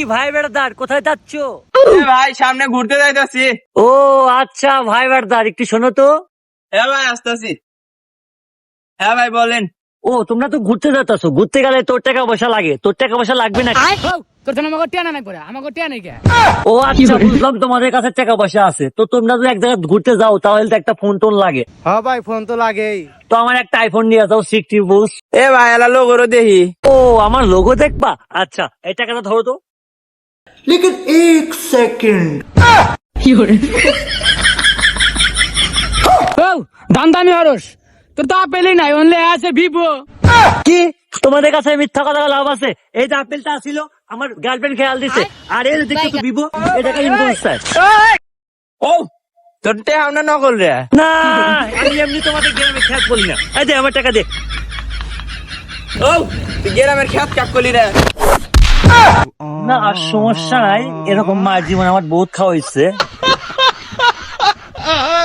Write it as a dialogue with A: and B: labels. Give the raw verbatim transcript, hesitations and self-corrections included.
A: ভাই বেড়াদার, কোথায় যাচ্ছ?
B: ভাই সামনে ঘুরতে যাইতেছি।
A: ও আচ্ছা ভাই বেড়াদার, একটু শোনো তো।
B: হ্যাঁ ভাই আসতেছি। হ্যাঁ ভাই বলেন।
A: ও তোমরা তো ঘুরতে যাচ্ছো, ঘুরতে গেলে তোর টাকা পয়সা লাগে, তোর টাকা পয়সা লাগবে না?
C: তোর জন্য আমাকে টিয়া না করে আমাকে টিয়া নেই কে?
A: ও আচ্ছা বুঝলাম, তোমাদের কাছে টাকা পয়সা আছে, তো তোমরা যদি এক জায়গায় ঘুরতে যাও তাহলে তো একটা ফোন টোন লাগে।
D: হ্যাঁ ভাই ফোন তো লাগেই।
A: তো আমার একটা আইফোন নিয়ে যাও, সিক্সটি বুস।
B: এ ভাই এলা লোগোরও দেখি।
A: ও আমার লোগো দেখবা? আচ্ছা এই টাকাটা ধরো তো।
E: लेकिन एक सेकंड
C: ও দাম দামি হরস, তোর তো আপেলই নাই, অনলি আছে ভিভো।
A: কি তোমাদের কাছে মিথ্যা কথা লাভ আছে? এই যে আপেলটা ছিল আমার গার্লফ্রেন্ড খেয়াল দিছে, আর এই যে দেখতেছো বিভো, এটাকে ইনভয়েস স্যার।
B: ও তোর তে আমরা নকল রে।
A: না আমি এমনি তোমাদের গ্রামে খেয়াল করি না। এই দে আমার টাকা দে।
B: ও তুই গ্রামের খেত কাক করলি রে।
A: না আর সমস্যা নাই, এরকম মার জীবন আমার বহুত খাওয়া হয়েছে।